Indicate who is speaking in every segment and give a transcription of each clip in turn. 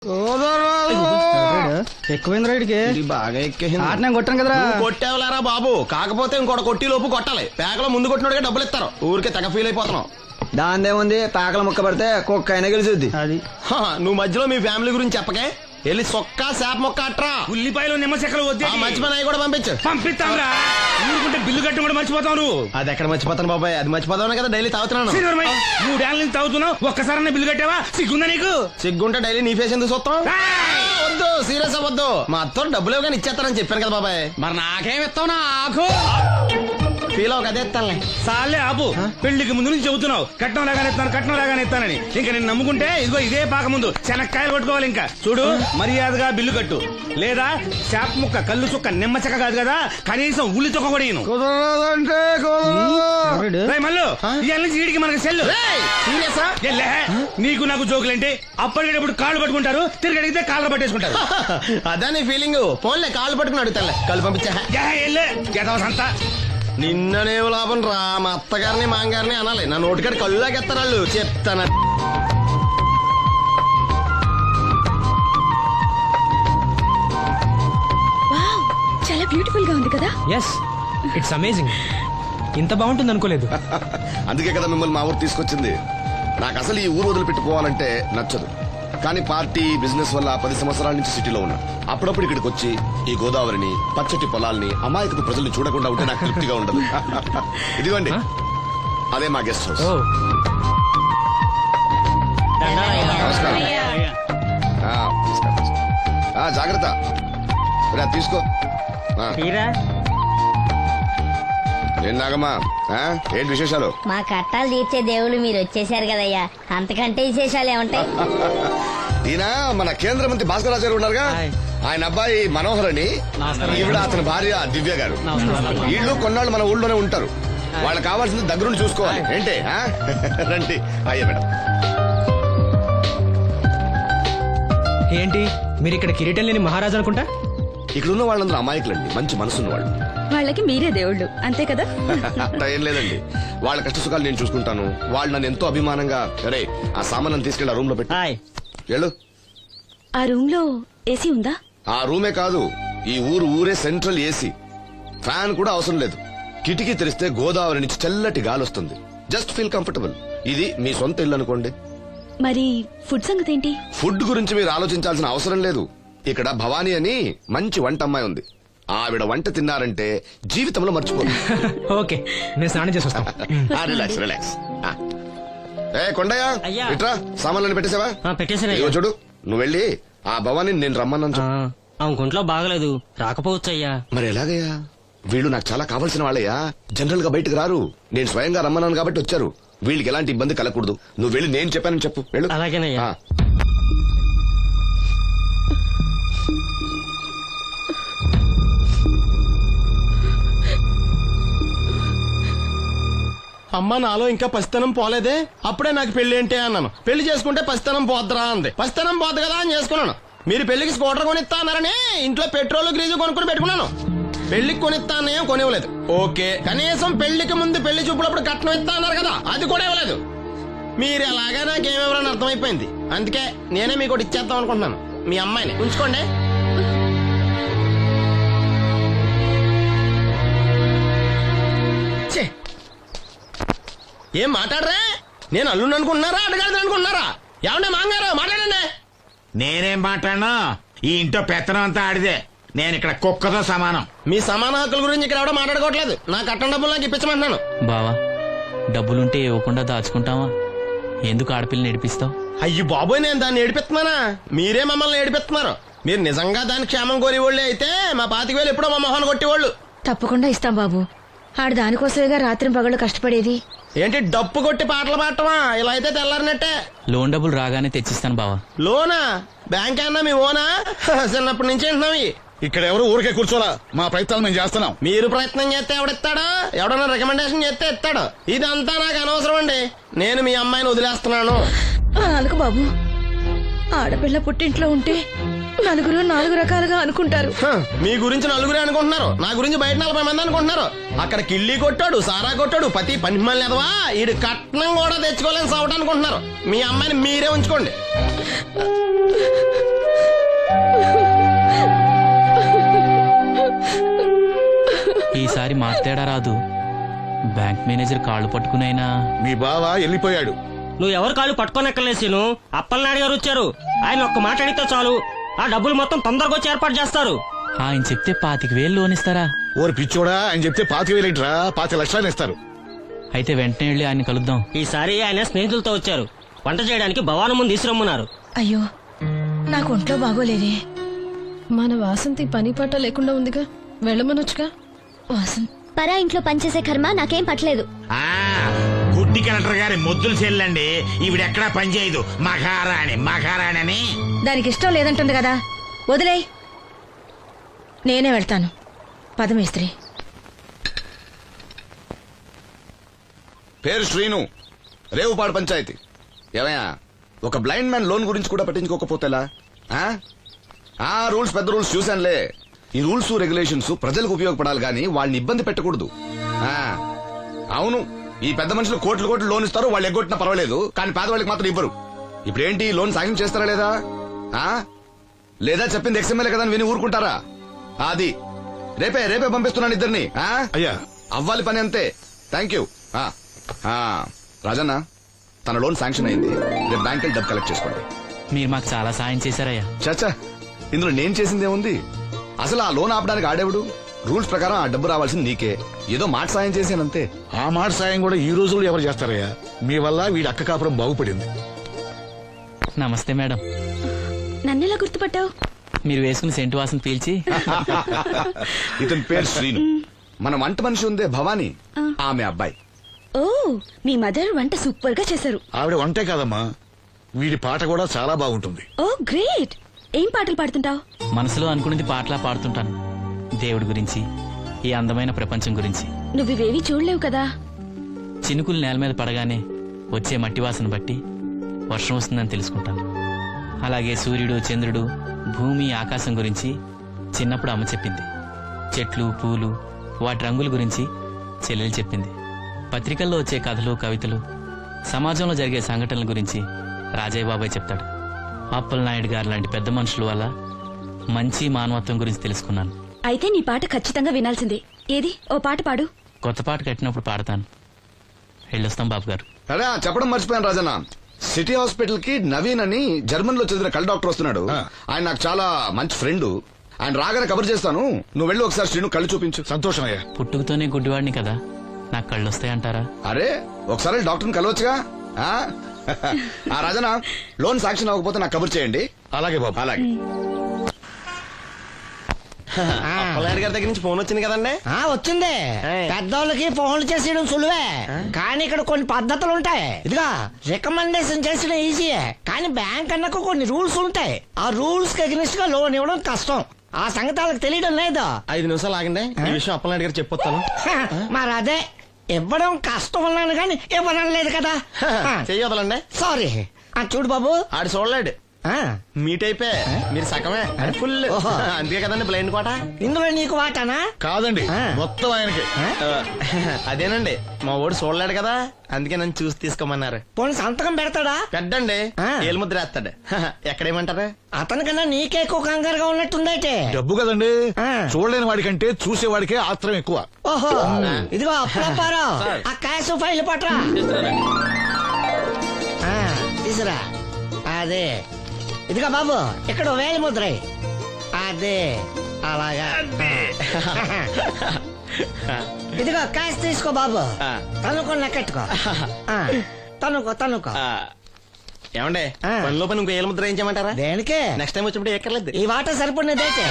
Speaker 1: ఎక్కువైంది రైడ్కి
Speaker 2: బాగా ఎక్కేసింది.
Speaker 1: ఆటనే కొట్టాను కదరా.
Speaker 2: కొట్టేవలేరా బాబు, కాకపోతే ఇంకోటి కొట్టి లోపు కొట్టాలి. పేకలో ముందు కొట్టినోడికే డబ్బులు ఇస్తారు. ఊరికే తెగ ఫీల్ అయిపోతున్నావు.
Speaker 3: దాందేముంది, పేకల ముక్క పడితే కుక్క అయినా గెలిచుద్ది.
Speaker 1: అది
Speaker 2: నువ్వు మధ్యలో మీ ఫ్యామిలీ గురించి చెప్పకే. వెళ్ళి సొక్క శాప మొక్క అట్రా.
Speaker 4: ఉల్లిపాయలు నిమ్మ చెక్కలు వద్దే
Speaker 2: మంచి పని అవి కూడా పంపించు.
Speaker 4: పంపిస్తాంరా. ఊరుకుంటే బిల్లు కట్టడం కూడా మర్చిపోతావు నువ్వు.
Speaker 2: అది ఎక్కడ మర్చిపోతాను బాబాయ్, అది మర్చిపోతావు కదా డైలీ తాగుతున్నాను.
Speaker 4: 3 ఏళ్ళ నుంచి తాగుతున్నావు, ఒక్కసారి బిల్లు కట్టావా? సిగ్గుందా నీకు?
Speaker 2: సిగ్గుంటే డైలీ నీ ఫేస్ ఎందుకు చూస్తాం? వద్దు, సీరియస్ అవ్వద్దు. మా అత్తో డబ్బులు ఇవ్వగానే ఇచ్చేస్తానని చెప్పాను కదా బాబాయ్.
Speaker 4: మరి నాకేం ఇస్తావు? నాకు
Speaker 2: ఫీల్ అవ్వక అదే ఇస్తానులే.
Speaker 4: సాలే ఆపు. పెళ్లికి ముందు నుంచి చెబుతున్నావు కట్నం లాగానే ఇస్తాను, కట్నం లాగానే ఇస్తానని. ఇంకా నేను నమ్ముకుంటే ఇదిగో ఇదే పాక ముందు శనక్కాయలు కొట్టుకోవాలి. ఇంకా చూడు, మర్యాదగా బిల్లు కట్టు, లేదా చేప ముక్క, కళ్ళు చుక్క, నిమ్మ చెక్క కాదు కదా, కనీసం ఉల్లి చుక్క కూడా ఇయ్యను. మళ్ళీ ఇవాళ నుంచి వీడికి మనకి సెల్లు.
Speaker 2: సీరియసా?
Speaker 4: నీకు నాకు జోకులేంటి? అప్పటికేటప్పుడు కాళ్ళు పట్టుకుంటారు, తిరిగి అడిగితే కాళ్ళు పట్టేసుకుంటారు.
Speaker 2: అదే నీ ఫీలింగ్. ఫోన్లే కాళ్ళు పట్టుకుని అడుగుతాలే. కళ్ళు పంపించా.
Speaker 4: అంతా
Speaker 2: నిన్ననే లాభం రా. మా అత్తగారిని మాంగారిని అనాలి. నా నోటికాడ కళ్ళు లాగేస్తారు వాళ్ళు. చెప్తాను.
Speaker 5: వావ్, చాలా బ్యూటిఫుల్ గా ఉంది కదా.
Speaker 6: Yes, it's amazing. ఇంత బాగుంటుంది అనుకోలేదు.
Speaker 7: అందుకే కదా మిమ్మల్ని మా ఊరు తీసుకొచ్చింది. నాకు అసలు ఈ ఊరు వదిలిపెట్టుకోవాలంటే నచ్చదు. కానీ పార్టీ, బిజినెస్ వల్ల 10 సంవత్సరాల నుంచి సిటీలో ఉన్నా. అప్పుడప్పుడు ఇక్కడికి వచ్చి ఈ గోదావరిని, పచ్చటి పొలాల్ని, అమాయకపు ప్రజల్ని చూడకుండా ఉంటే నాకు తృప్తిగా ఉండదు. ఇదిగోండి, అదే మా గెస్ట్ హౌస్. నమస్కారం. జాగ్రత్త, తీసుకో. ఏం నాగమ్మా, ఏంటి విశేషాలు?
Speaker 8: మా కట్టాలు తీర్చే దేవుళ్ళు మీరు వచ్చేసారు కదయ్యా, అంతకంటే విశేషాలు ఏముంటాయి?
Speaker 7: ఈయన మన కేంద్ర మంత్రి భాస్కర్ రాజు గారు ఉన్నారుగా, ఆయన అబ్బాయి మనోహర్ అని, ఈవిడ అతని భార్య దివ్య గారు. వీళ్ళు కొన్నాళ్ళు మన ఊళ్ళోనే ఉంటారు. వాళ్ళకి కావాల్సింది దగ్గరుండి చూసుకోవాలి. ఏంటి రండి. అయ్యా మేడం.
Speaker 6: ఏంటి మీరు ఇక్కడ కిరీటం లేని మహారాజు అనుకుంటా?
Speaker 7: ఇక్కడ ఉన్న వాళ్ళందరూ అమాయకులండి, మంచి మనసున్న వాళ్ళు.
Speaker 5: వాళ్ళకి మీరే దేవుళ్ళు, అంతే కదా.
Speaker 7: అట్లా ఏం లేదండి. వాళ్ళ కష్ట సుఖాలు నేను చూసుకుంటాను. వాళ్ళు నన్ను ఎంతో అభిమానంగా, అరే ఆ సామాన్ తీసుకెళ్ళి ఆ రూమ్ లో పెట్టి వెళ్ళు.
Speaker 5: ఆ రూమ్ లో ఏసీ ఉందా?
Speaker 7: ఆ రూమే కాదు, ఈ ఊరే సెంట్రల్ ఏసీ. ఫ్యాన్ కూడా అవసరం లేదు. కిటికీ తెరిస్తే గోదావరి నుంచి చల్లటి గాలి వస్తుంది. Just feel comfortable. ఇది మీ సొంత ఇల్లు అనుకోండి.
Speaker 5: మరి ఫుడ్ సంగతి ఏంటి?
Speaker 7: ఫుడ్ గురించి మీరు ఆలోచించాల్సిన అవసరం లేదు. ఇక్కడ భవానీ అని మంచి వంట అమ్మాయి ఉంది. ఆవిడ వంట తిన్నారంటే జీవితంలో మర్చిపోదు.
Speaker 6: ఓకే, నేను స్నానం చేసి వస్తాను.
Speaker 7: Relax relax. ఏ కొండయ్య, ఇట్రా, సామాన్లను పెట్టేసావా?
Speaker 9: పెట్టేసాను.
Speaker 7: చూడు, నువ్వు వెళ్ళి ఆ భవానీ నేను రమ్మన్నాను చెప్పు.
Speaker 9: ఆమె గుంట్లో బాగలేదు, రాకపోవచ్చయ్యా.
Speaker 7: మరి ఎలాగయ్యా? వీళ్ళు నాకు చాలా కావాల్సిన వాళ్ళయ్యా. జనరల్ గా బయటకు రారు. నేను స్వయంగా రమ్మన్నాను కాబట్టి వచ్చారు. వీళ్ళకి ఎలాంటి ఇబ్బంది కలగకూడదు. నువ్వు వెళ్ళి నేను చెప్పానని చెప్పు. వెళ్ళు.
Speaker 9: అలాగేనయ్యా.
Speaker 2: అమ్మ, నాలో ఇంకా పసితనం పోలేదే. అప్పుడే నాకు పెళ్లి ఏంటి అన్నాను. పెళ్లి చేసుకుంటే పసితనం పోద్దురా అంది. పసితనం పోద్దు కదా అని చేసుకున్నాను. మీరు పెళ్లికి స్కూటర్ కొనిస్తా అన్నారని ఇంట్లో పెట్రోల్ గ్రీజు కొనుక్కుని పెట్టుకున్నాను. పెళ్లికి కొనిస్తా అన్నయ్యం కొనివ్వలేదు. ఓకే, కనీసం పెళ్లికి ముందు పెళ్లి చూపులప్పుడు కట్నం ఇస్తా అన్నారు కదా, అది కూడా ఇవ్వలేదు. మీరు ఎలాగా నాకేమెవరని అర్థమైపోయింది. అందుకే నేనే మీకు ఒకటి ఇచ్చేద్దాం అనుకుంటున్నాను. మీ అమ్మాయిని ఉంచుకోండి. ఏం మాట్లాడరా? నేను అల్లుండి అనుకుంటున్నారా, అడగాలి అనుకుంటున్నారా? ఏమన్నా మాంగారు మాట్లాడండి.
Speaker 4: నేనేం మాట్లాడను, ఈ ఇంట్లో పెత్తనం అంతా ఆడిదే. నేను ఇక్కడ కుక్కతో సమానం.
Speaker 2: మీ సమాన హక్కుల గురించి ఇక్కడ ఎవడో మాట్లాడుకోవట్లేదు. నా కట్టం డబ్బులు నాకు ఇప్పించమంటున్నాను.
Speaker 9: బావా, డబ్బులుంటే ఇవ్వకుండా దాచుకుంటావా? ఎందుకు ఆడపిల్లని ఏడిపిస్తావు?
Speaker 2: అయ్యి బాబోయ్, నేను దాన్ని ఏడిపిస్తున్నానా? మీరే మమ్మల్ని ఏడిపిస్తున్నారు. మీరు నిజంగా దాని క్షేమం కోరేవాళ్ళే అయితే మా 25,000 ఎప్పుడో మా మొహాన్ని కొట్టేవాళ్ళు.
Speaker 5: తప్పకుండా ఇస్తాం బాబు. ఆడు దానికోసమేగా రాత్రి పగళ్ళు కష్టపడేది.
Speaker 2: ఏంటి డప్పు కొట్టి పాటలు పాడటమా? ఇలా అయితే తెల్లారినట్టే.
Speaker 9: లోన్ డబ్బులు రాగానే తెచ్చిస్తాను బావా.
Speaker 2: లోనా? బ్యాంక్ అన్నా మీ ఓనా? చిన్నప్పటి నుంచి వింటున్నాం.
Speaker 4: ఇక్కడ ఎవరు ఊరికే కూర్చోలా, మా ప్రయత్నాలు మేము చేస్తున్నాం.
Speaker 2: మీరు ప్రయత్నం చేస్తే ఎవడిస్తాడు? ఎవడన్నా రికమెండేషన్ చేస్తే ఇస్తాడు. ఇదంతా నాకు అనవసరం అండి. నేను మీ అమ్మాయిని వదిలేస్తున్నాను.
Speaker 5: అనుకు బాబు, ఆడపిల్ల పుట్టింట్లో ఉంటే నలుగురు 4 రకాలుగా అనుకుంటారు.
Speaker 2: మీ గురించి నలుగురే అనుకుంటున్నారు, నా గురించి బయట 40 మంది అనుకుంటున్నారు. అక్కడ కిళ్ళి కొట్టాడు, సారా కొట్టాడు, పతి పని మళ్ళీ ఎదవా, ఈడు కట్నం కూడా తెచ్చుకోలేని సవట అనుకుంటున్నారు. మీ అమ్మాయిని మీరే ఉంచుకోండి.
Speaker 9: ఈసారి మాట తేడా రాదు. బ్యాంక్ మేనేజర్ కాళ్ళు పట్టుకునైనా
Speaker 10: మీ బావ వెళ్ళిపోయాడు.
Speaker 9: నువ్వు ఎవరు కాళ్ళు పట్టుకోనక్కర్లేసిను. అప్పలనాయుడు గారు వచ్చారు. ఆయన ఒక్క మాట అడిగితే చాలు, ఆ డబ్బులు మొత్తం తొందరగా వచ్చి ఏర్పాటు చేస్తారు. ఆయన చెప్తే 25,000 లోన్ ఇస్తారా?
Speaker 10: ఓరి పిచ్చోడా అని చెప్తే 25,000 ఏంట్రా, 5 లక్షలు ఇస్తారు.
Speaker 9: అయితే వెంటనే వెళ్ళి ఆయన కలుద్దాం. ఈసారి ఆయన స్నేహితులతో వచ్చారు. వంట చేయడానికి భవానం ముందు తీసురమ్మన్నారు.
Speaker 5: అయ్యో నాకు ఒంట్లో బాగోలేదే.
Speaker 11: మన వాసంతి పని పాట లేకుండా ఉందిగా, వెళ్ళమనొచ్చుగా.
Speaker 5: వాసంత్
Speaker 8: పరా ఇంట్లో పనిచేసే కర్మ నాకేం పట్టలేదు.
Speaker 4: గుడ్డి కలెక్టర్ గారి ముద్దులు చెల్లండి. ఈవిడెక్కడా పనిచేయదు. మహారాణి అని.
Speaker 5: దానికి ఇష్టం లేదంటుంది కదా, వదిలేయ్. నేనే వెళ్తాను. పదమేస్త్రి.
Speaker 7: పేరు శ్రీను, రేవుపాడు పంచాయతీ. ఏమయ్యా, ఒక బ్లైండ్ మ్యాన్ లోన్ గురించి కూడా పట్టించుకోకపోతేలా? రూల్స్ పెద్ద రూల్స్ చూశానులే. ఈ రూల్స్ రెగ్యులేషన్స్ ప్రజలకు ఉపయోగపడాలి గానీ వాళ్ళని ఇబ్బంది పెట్టకూడదు. అవును, ఈ పెద్ద మనుషులు కోట్లు లోన్ ఇస్తారు, వాళ్ళు ఎగ్గొట్టినా పర్వాలేదు, కానీ పేదవాళ్ళకి మాత్రం ఇవ్వరు. ఇప్పుడేంటి, లోన్ సాయం చేస్తారా లేదా? లేదా చెప్పింది ఎక్స్ఎంఎల్ఏ కదా అని విని ఊరుకుంటారా? అది రేపే పంపిస్తున్నాను ఇద్దరిని.
Speaker 10: అయ్యా
Speaker 7: అవ్వాలి పని అంతే. Thank you. రాజన్న, తన లోన్ శాంక్షన్ అయింది. రేపు బ్యాంక్ డబ్బు కలెక్ట్ చేసుకోండి.
Speaker 9: మీరు మాకు చాలా సాయం చేశారయ్యా.
Speaker 7: చాచా, ఇందులో నేను చేసిందేముంది? అసలు ఆ లోన్ ఆపడానికి ఆడేవుడు? రూల్స్ ప్రకారం ఆ డబ్బు రావాల్సింది నీకే. ఏదో మాట సాయం చేశానంతే.
Speaker 10: ఆ మాట సాయం కూడా ఈ రోజుల్లో ఎవరు చేస్తారయ్యా? మీ వల్ల వీడి అక్క కాపురం బాగుపడింది.
Speaker 9: నమస్తే మేడం.
Speaker 5: నన్నెలా గుర్తుపట్టావు?
Speaker 9: మీరు వేసుకుని సెంటు వాసన పీల్చి.
Speaker 7: ఇతని పేరు శ్రీను. మన వంట మనిషి ఉందే భవానీ, ఆమె అబ్బాయి.
Speaker 5: ఓ, మీ మదర్ వంట సూపర్ గా చేశారు.
Speaker 10: ఆవిడ వంటే కాదమ్మా, వీడి పాట కూడా చాలా బాగుంటుంది.
Speaker 5: Oh great. ఏం పాటలు పాడుతుంటావు?
Speaker 9: మనసులో అనుకున్నది పాటలా పాడుతుంటాను. దేవుడి గురించి, ఈ అందమైన ప్రపంచం గురించి.
Speaker 5: నువ్వివేవి చూడలేవు కదా.
Speaker 9: చినుకులు నేల మీద పడగానే వచ్చే మట్టి వాసన బట్టి వర్షం వస్తుందని తెలుసుకుంటాను. అలాగే సూర్యుడు, చంద్రుడు, భూమి, ఆకాశం గురించి చిన్నప్పుడు అమ్మ చెప్పింది. చెట్లు, పూలు, వాటి రంగుల గురించి చెల్లెలు చెప్పింది. పత్రికల్లో వచ్చే కథలు, కవితలు, సమాజంలో జరిగే సంఘటనల గురించి రాజయ్య బాబాయ్ చెప్తాడు. అప్పలనాయుడు గారు లాంటి పెద్ద మనుషుల వల్ల మంచి మానవత్వం గురించి తెలుసుకున్నాను.
Speaker 5: అయితే నీ పాట ఖచ్చితంగా వినాల్సిందే. ఏది, ఓ పాట పాడు.
Speaker 9: కొత్త పాట కట్టినప్పుడు పాడతాను. వెళ్ళొస్తాం బాబు గారు.
Speaker 7: అరే, చెప్పడం మర్చిపోయాను రాజన్న. సిటీ హాస్పిటల్ కి నవీన్ అని జర్మన్ లో చదివిన కళ్ళ డాక్టర్ వస్తున్నాడు. ఆయన నాకు చాలా మంచి ఫ్రెండ్. ఆయన రాగానే కబర్ చేస్తాను. నువ్వు వెళ్ళి ఒకసారి శ్రీను కళ్ళు చూపించు.
Speaker 10: సంతోషం అయ్యా.
Speaker 9: పుట్టుకతోనే గుడ్డివాడిని కదా, నాకు కళ్ళు వస్తాయంటారా?
Speaker 7: అరే, ఒకసారి డాక్టర్ని కలవచ్చుగా. రాజన్న, లోన్ శాంక్షన్ అవ్వకపోతే నాకు కబుర్ చేయండి.
Speaker 10: అలాగే బాబు.
Speaker 7: అలాగే.
Speaker 2: అప్పలనాయుడు గారి దగ్గర నుంచి ఫోన్ వచ్చింది కదండి.
Speaker 6: వచ్చింది. పెద్దోళ్ళకి ఫోన్లు చేసేయడం సులువే, కానీ ఇక్కడ కొన్ని పద్ధతులు ఉంటాయి. ఇదిగా రికమెండేషన్ చేసడం ఈజీయే, కానీ బ్యాంక్ అన్నకు కొన్ని రూల్స్ ఉంటాయి. ఆ రూల్స్ కి అగ్నిస్ట్ గా లోన్ ఇవ్వడం కష్టం. ఆ సంగతి వాళ్ళకి తెలియడం లేదు.
Speaker 2: 5 నిమిషాలు ఆగండి, ఈ విషయం అప్పలనాయుడు గారు చెప్పొస్తాను.
Speaker 6: మరి అదే ఇవ్వడం కష్టం ఉన్నాను కానీ ఇవ్వడం లేదు కదా.
Speaker 2: చెయ్యొదలండి.
Speaker 6: సారీ. చూడు బాబు,
Speaker 2: ఆడు చూడలేడు. మీట్ అయిపోయి మీరు సగమే, ఫుల్. అందుకే కదండి బ్లైండ్ కోట.
Speaker 6: ఇందులో నీకు వాటానా?
Speaker 10: కాదండి, మొత్తం ఆయనకి.
Speaker 2: అదేనండి, మా ఓడు చూడలేడు కదా, అందుకే నన్ను చూసి తీసుకోమన్నారు.
Speaker 6: పోనీ సంతకం పెడతాడా?
Speaker 2: పెద్దండి, ఏలు ముద్ర వేస్తాడు. ఎక్కడేమంటారు?
Speaker 6: అతనికన్నా నీకే ఎక్కువ కంగారుగా ఉన్నట్టుందైతే.
Speaker 10: డబ్బు కదండి, చూడలేని వాడికంటే చూసేవాడికే ఆత్రం ఎక్కువ.
Speaker 6: ఓహో, ఇదిగో అప్పుడప్పారావు, ఆ క్యాష్ ఫైల్ పట్రా. తీసురా. అదే, ఇదిగో బాబు, ఇక్కడ వేలి ముద్ర. అదే, అలాగా. ఇదిగో క్యాష్ తీసుకో బాబు. తనుకో, లెక్కెట్టుకో. తనుకో.
Speaker 2: ఏమండే, పనిలో పని ఇంకో ఏలు ముద్ర ఏం చేయమంటారా?
Speaker 6: దేనికే?
Speaker 2: నెక్స్ట్ టైం వచ్చినప్పుడు ఎక్కర్లేదు.
Speaker 6: ఈ వాట సరిపడినదైతే.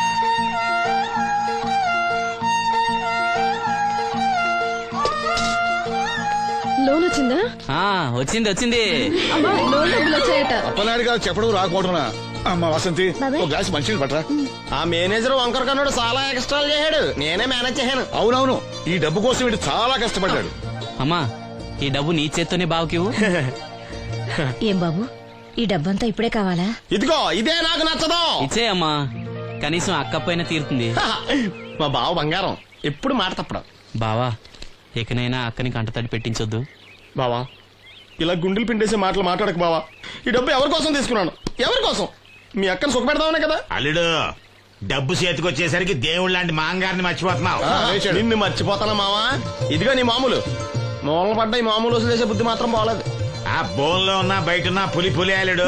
Speaker 11: లోన్ వచ్చిందా?
Speaker 9: వచ్చింది.
Speaker 11: అమ్మా, లోన్ డబ్బులు వచ్చాయట.
Speaker 10: అప్పలనాయుడు గారు చెప్పడం రాకపోవడం. అమ్మ వసంతి, ఒక గ్లాస్ మంచినీళ్ళు పట్టరా.
Speaker 2: ఆ మేనేజర్ వంకర కన్నాడు, చాలా ఎక్స్ట్రాలు చేశాడు. నేనే మేనేజ్ చేశాను.
Speaker 10: అవునవును, ఈ డబ్బు కోసం వీడు చాలా కష్టపడ్డాడు.
Speaker 9: అమ్మా, ఈ డబ్బు నీ చేత్తోనే బావుకివు.
Speaker 5: ఏం బాబు, ఈ డబ్బంతా ఇప్పుడే కావాలా?
Speaker 2: ఇదిగో ఇదే నాకు నచ్చదు.
Speaker 9: ఇచ్చేయమ్మా, కనీసం అక్కపైన తీరుతుంది.
Speaker 2: మా బావ బంగారం, ఎప్పుడు మాట తప్పడం.
Speaker 9: బావా, ఇకనైనా అక్కని కంటతడి పెట్టించొద్దు.
Speaker 2: బావా, ఇలా గుండెలు పిండేసే మాటలు మాట్లాడక బావా. ఈ డబ్బు ఎవరి కోసం తీసుకున్నాను? ఎవరి కోసం? మీ అక్కను సుఖపెడదామనే కదా.
Speaker 4: అల్లుడు, డబ్బు చేతికొచ్చేసరికి దేవుడు లాంటి మాంగారిని మర్చిపోతున్నావు.
Speaker 2: నిన్ను మర్చిపోతానా మావా? ఇదిగో నీ మామూలు మూలలు పడ్డ ఈ మామూలు వదిలేసే బుద్ధి మాత్రం బాగలేదు.
Speaker 4: ఆ బోన్లో ఉన్న బయట ఉన్న పులి అల్లుడు.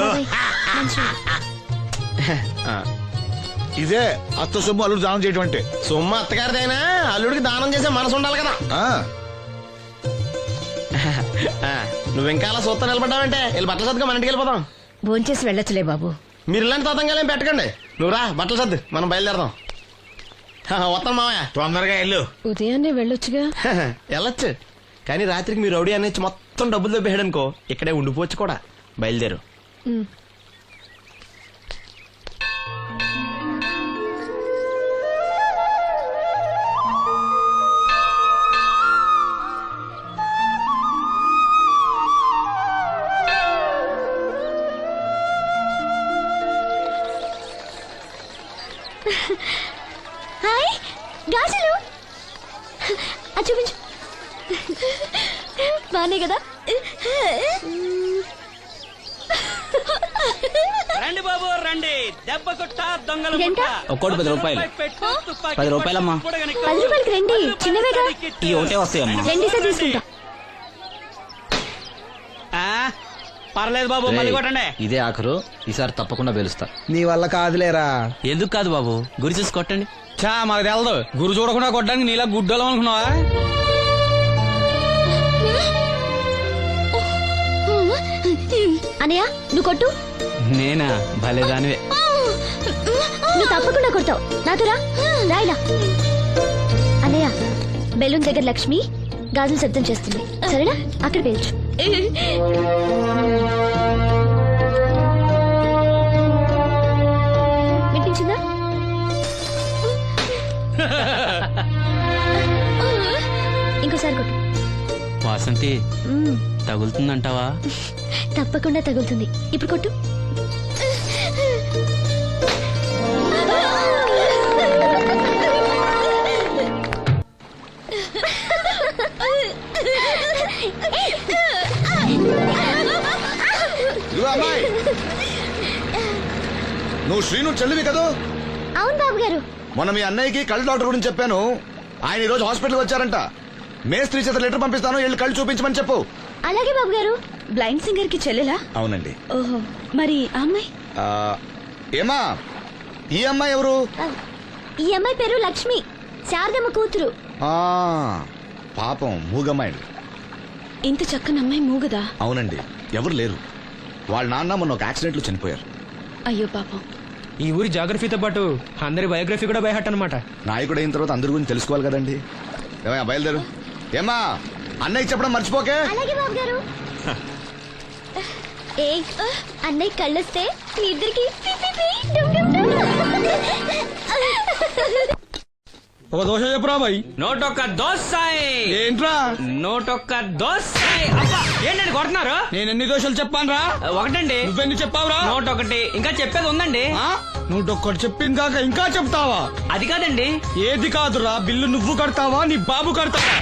Speaker 10: ఇదే అత్త సొమ్ము అల్లుడు దానం చేయడం అంటే.
Speaker 2: సొమ్ము అత్తగారిదైనా అల్లుడికి దానం చేసే మనసు ఉండాలి కదా. నువ్వు ఇంకా అలా సూత్తా నిలబడ్డావంటే వెళ్ళి బట్టలు సర్దుగా మన ఇంటికి వెళ్ళిపోదాం.
Speaker 5: భోంచేసి వెళ్ళొచ్చులే బాబు.
Speaker 2: మీరు ఇలాంటి తతంగాలేం పెట్టకండి. నువ్వు రా బట్టలు సర్దు మనం బయలుదేరదాం. వస్తాం మావయ్య.
Speaker 4: తొందరగా వెళ్ళు.
Speaker 11: ఉదయాన్నే వెళ్ళొచ్చుగా.
Speaker 2: వెళ్ళొచ్చు కానీ రాత్రికి మీరు రౌడీ అనేది మొత్తం డబ్బులు దొబ్బేయడనుకో ఇక్కడే ఉండిపోవచ్చు కూడా. బయలుదేరు.
Speaker 8: హాయ్ గాజులు చూపించు. బానే కదా?
Speaker 9: రండి బాబు రండి. దెబ్బ కొట్ట దొంగలు
Speaker 1: ఒక్కోటి 10 రూపాయలు. 10 రూపాయలమ్మా.
Speaker 8: 10 రూపాయలకి రండి, చిన్నవేగా.
Speaker 1: ఈ ఒకటే వస్తాయమ్మా.
Speaker 8: రెండు సార్ తీసుకుంటా.
Speaker 9: పర్లేదు బాబు, మళ్ళీ కొట్టండి.
Speaker 1: ఇదే ఆఖరు, ఈసారి తప్పకుండా పిలుస్తా.
Speaker 3: నీ వల్ల కాదులేరా.
Speaker 9: ఎందుకు కాదు బాబు, గురి చూసి కొట్టండి.
Speaker 1: చా మాకు తెలదు. గురు చూడకుండా కొట్టడానికి నీలా గుడ్డలం అనుకున్నావా?
Speaker 8: అనయ్య నువ్వు కొట్టు.
Speaker 9: నేనా? భలేదానివే.
Speaker 8: నువ్వు తప్పకుండా కొడతావు. నాతో రా. రాయిలా. అన్నయ్య బెలూన్ దగ్గర లక్ష్మి గాజులు శబ్దం చేస్తుంది, సరేనా? అక్కడ పేల్చు. వినిపించిందా? ఇంకోసారి కొట్టు.
Speaker 9: వాసంతి తగులుతుందంటావా?
Speaker 8: తప్పకుండా తగులుతుంది. ఇప్పుడు కొట్టు.
Speaker 7: అమ్మాయి నువ్వు శ్రీను చెల్లివి కదా?
Speaker 8: అవును బాబు గారు.
Speaker 7: మొన్న మీ అన్నయ్యకి కళ్ళు డాక్టర్ గురించి చెప్పాను. ఆయన ఈ రోజు హాస్పిటల్ వచ్చారంట. మేస్త్రి చేత లెటర్ పంపిస్తాను, వెళ్ళి కళ్ళు చూపించమని చెప్పు.
Speaker 8: అలాగే బాబు గారు. బ్లైండ్ సింగర్ కి చెల్లెలా?
Speaker 7: అవునండి.
Speaker 8: ఓహో, మరి ఆ అమ్మాయి?
Speaker 7: ఏమా ఈ అమ్మాయి ఎవరు?
Speaker 8: ఈ అమ్మాయి పేరు లక్ష్మి, శారదమ్మ కూతురు.
Speaker 7: పాపం మూగమ్మాయి.
Speaker 5: ఇంత చక్కని అమ్మాయి మూగదా?
Speaker 7: అవునండి, ఎవరు లేరు. వాళ్ళ నాన్న మొన్న ఒక యాక్సిడెంట్ లో చనిపోయారు.
Speaker 5: అయ్యో పాపం.
Speaker 1: ఈ ఊరి జాగ్రఫీతో పాటు అందరి బయోగ్రఫీ కూడా బయట అన్నమాట.
Speaker 7: నాయకుడు అయిన తర్వాత అందరి గురించి తెలుసుకోవాలి కదండి. ఏమయ్యా బయలుదేరు. ఏమా అన్నయ్య చెప్పడం మర్చిపోకే.
Speaker 8: అలాగే బాబు గారు. ఏ అన్నయ్య కళ్ళొస్తే మీ ఇద్దరికి
Speaker 1: ఒక దోశ చెప్పురా బాయ్.
Speaker 9: నోటొక్క దోశ.
Speaker 1: ఏంట్రా?
Speaker 9: నోటొక్క దోశ. అబ్బా ఏంటండి కొడుతున్నారు?
Speaker 1: నేను ఎన్ని దోశలు చెప్పాను రా?
Speaker 9: ఒకటండి.
Speaker 1: నువ్వెన్ని చెప్పావురా?
Speaker 9: నోటొకటి. ఇంకా చెప్పేది ఉందండి.
Speaker 1: నువ్వు ఒక్కటి చెప్పింది కాక ఇంకా చెప్తావా?
Speaker 9: అది కాదండి.
Speaker 1: ఏది కాదురా, బిల్లు నువ్వు కడతావా నీ బాబు కడతావా?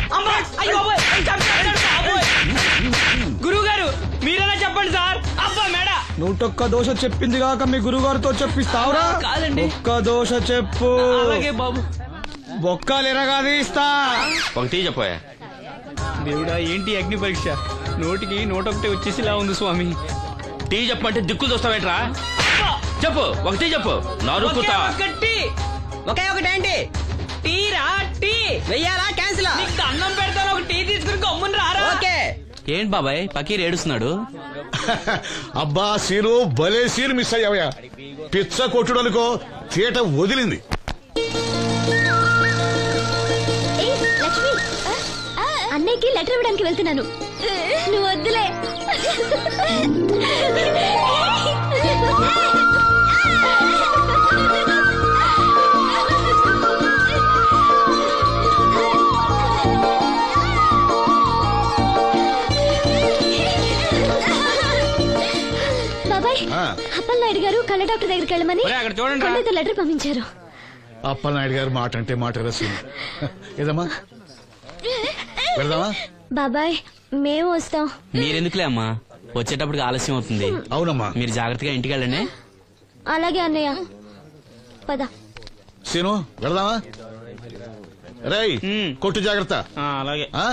Speaker 9: గురువు గారు మీరైనా చెప్పండి సార్. అబ్బా మేడ.
Speaker 1: నూటొక్క దోశ చెప్పింది కాక మీ గురుగారితో చెప్పిస్తావురా?
Speaker 9: కాదండి.
Speaker 1: ఒక్క దోశ చెప్పు.
Speaker 9: అలాగే బాబు.
Speaker 1: బొక్కలు ఎరగాది ఇస్తా.
Speaker 2: ఒకటి చెప్పోయా.
Speaker 9: దేవుడా ఏంటి అగ్ని పరీక్ష? నోటికి నోటొకటి వచ్చేసిలా ఉంది స్వామి.
Speaker 2: టీ చెప్పమంటే దిక్కులు చూస్తావేట్రా? చెప్పు, ఒకటి చెప్పు. నరుకుతా.
Speaker 9: ఒకే ఒకటేంటి? టీ రా. టీ వెయ్యాలా క్యాన్సిల్? అన్నం పెడతాను, ఒక టీ తీసుకుని గమ్మున రారా. ఓకే. ఏంటి బాబాయ్ పకీర్ ఏడుస్తున్నాడు?
Speaker 10: అబ్బా సీను, భలే సీన్ మిస్ అయ్యావయ్యా. పిచ్చ కొట్టుడు అనుకో, థియేటర్ వదిలింది.
Speaker 8: లక్ష్మి, అన్నయ్యకి లెటర్ ఇవ్వడానికి వెళ్తున్నాను. నువ్వు వద్దులే. బాబాయ్, అప్పలనాయుడు గారు కళ్ళ డాక్టర్ దగ్గరికి వెళ్ళమని
Speaker 9: అక్కడ చూడండి
Speaker 8: లెటర్ పంపించారు.
Speaker 10: అప్పలనాయుడు గారు మాట అంటే మాట రసీదు. ఏదమ్మా వెళ్దామా?
Speaker 8: బాబాయ్ మేము వస్తాం.
Speaker 9: మీరెందుకులే అమ్మా, వచ్చేటప్పటికి ఆలస్యం అవుతుంది.
Speaker 10: అవునమ్మా.
Speaker 9: మీరు జాగ్రత్తగా ఇంటికి వెళ్ళండి.
Speaker 8: అలాగే అన్నయ్య, పద.
Speaker 10: సీను వెళదామా? రేయ్ కొట్టు జాగ్రత్త.
Speaker 4: అలాగే.
Speaker 10: ఆ?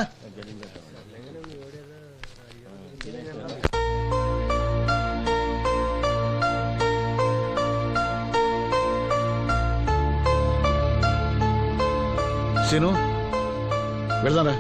Speaker 10: సీను వెళదాంరా.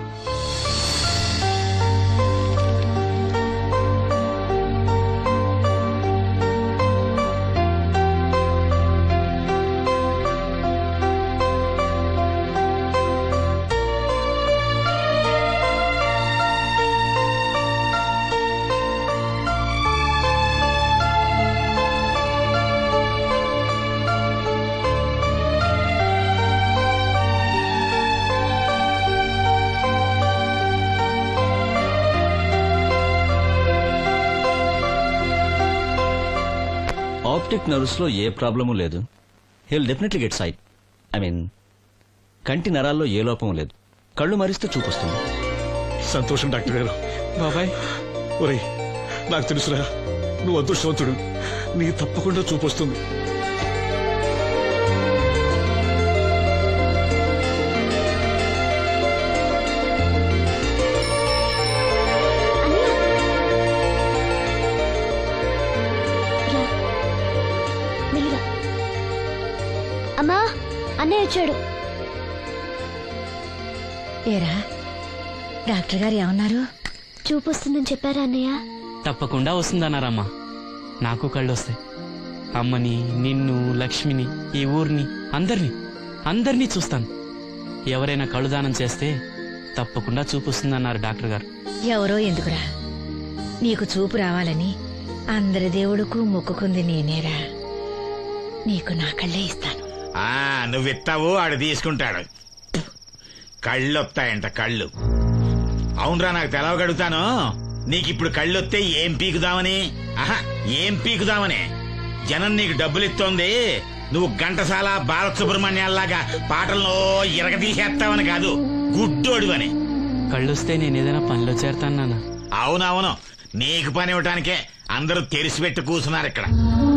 Speaker 12: ఆప్టిక్ నర్వ్స్ లో ఏ ప్రాబ్లము లేదు. Heal definitely get sight. I mean కంటి నరాల్లో ఏ లోపం లేదు. కళ్ళు మరిస్తే చూపొస్తుంది.
Speaker 10: సంతోషం డాక్టర్ గారు.
Speaker 1: బాబాయ్
Speaker 10: ఒరేయ్ నాకు తెలుసురా, నువ్వు అదృష్టవంతుడు. నీ తప్పకుండా చూపొస్తుంది.
Speaker 8: మెల్లిగా. అమ్మా అన్నయ్య వచ్చాడు.
Speaker 5: ఏరా డాక్టర్ గారు ఏమన్నారు?
Speaker 8: చూపు వస్తుందని చెప్పారా అన్నయ్య?
Speaker 9: తప్పకుండా వస్తుందన్నారమ్మా. నాకు కళ్ళు వస్తాయి. అమ్మని, నిన్ను, లక్ష్మిని, ఈ ఊరిని, అందరినీ చూస్తాను. ఎవరైనా కళ్ళు దానం చేస్తే తప్పకుండా చూపిస్తుందన్నారు డాక్టర్ గారు.
Speaker 5: ఎవరో ఎందుకురా, నీకు చూపు రావాలని అందరి దేవుడుకు మొక్కుకుంది నేనేరా. నీకు నా కళ్ళే ఇస్తాను.
Speaker 4: నువ్విస్తావు, ఆడు తీసుకుంటాడు. కళ్ళు వస్తాయంట కళ్ళు. అవునరా, నాకు తెలవగడుగుతాను. నీకిప్పుడు కళ్ళొస్తే ఏం పీకుదామని? ఏం పీకుదామని? జనం నీకు డబ్బులు ఇస్తోంది, నువ్వు ఘంటసాల బాలసుబ్రహ్మణ్యాల్లాగా పాటల్లో ఇరగదీసేస్తావని కాదు, గుడ్డోడివని.
Speaker 9: కళ్ళొస్తే నేనేదైనా పనిలో చేరతాను నాన్న.
Speaker 4: అవునవును, నీకు పని ఇవ్వటానికే అందరూ తెరిచిపెట్టి కూర్చున్నారు ఇక్కడ.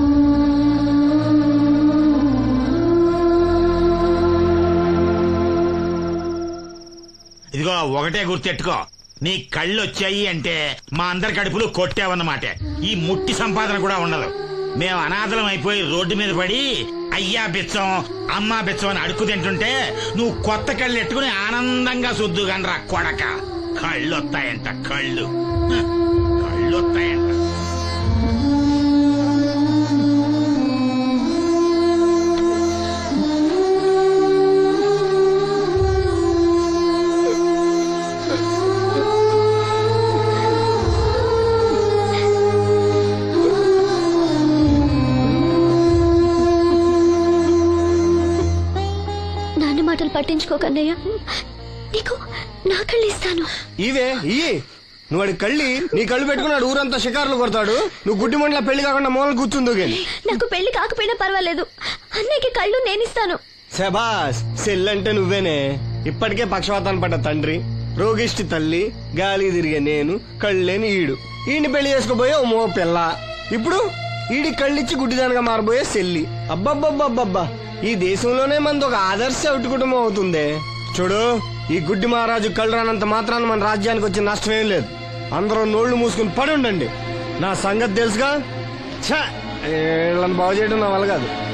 Speaker 4: ఇదిగో ఒకటే గుర్తెట్టుకో, నీ కళ్ళు వచ్చాయి అంటే మా అందరి కడుపులు కొట్టావన్నమాట. ఈ ముట్టి సంపాదన కూడా ఉండదు. మేము అనాథలం అయిపోయి రోడ్డు మీద పడి అయ్యా బిచ్చం, అమ్మా బిచ్చం అని అడుక్కు తింటుంటే నువ్వు కొత్త కళ్ళు ఎట్టుకుని ఆనందంగా సుద్దుగానరా కొడక. కళ్ళు వస్తాయంట కళ్ళు వస్తాయంట.
Speaker 8: మాటలు పట్టించుకోకన్నయ్య, నీకు నా కళ్ళు ఇస్తాను.
Speaker 2: ఇవే ఇయ్యి. నువ్వు వాడి కళ్ళి నీ కళ్ళు పెట్టుకున్నాడు ఊరంతా షికారులు కొడతాడు. నువ్వు గుడ్డి మండల పెళ్లి కాకుండా మూలలు కూర్చుందో గాని.
Speaker 8: నాకు పెళ్లి కాకపోయినా పర్వాలేదు, అన్నయ్యకి కళ్ళు నేనిస్తాను.
Speaker 2: శబాస్, సెల్లంటే నువ్వేనే. ఇప్పటికే పక్షవాతాన్ని పడ్డ తండ్రి, రోగిష్టి తల్లి, గాలి తిరిగే నేను, కళ్ళేని ఈడు. ఈయన్ని పెళ్లి చేసుకోబోయే ఓ మో పిల్ల. ఇప్పుడు ఈడి కళ్ళిచ్చి గుడ్డిదానిగా మారబోయే సెల్లి. అబ్బబ్బబ్బబ్బబ్బా, ఈ దేశంలోనే మనది ఒక ఆదర్శ అవుట్ కుటుంబం అవుతుందే. చూడు, ఈ గుడ్డి మహారాజు కళ్ళు రానంత మాత్రాన మన రాజ్యానికి వచ్చిన నష్టమేం లేదు. అందరూ నోళ్లు మూసుకుని పడి ఉండండి. నా సంగతి తెలుసుగా. వీళ్ళని బాగు చేయడం నా వల్ల కాదు.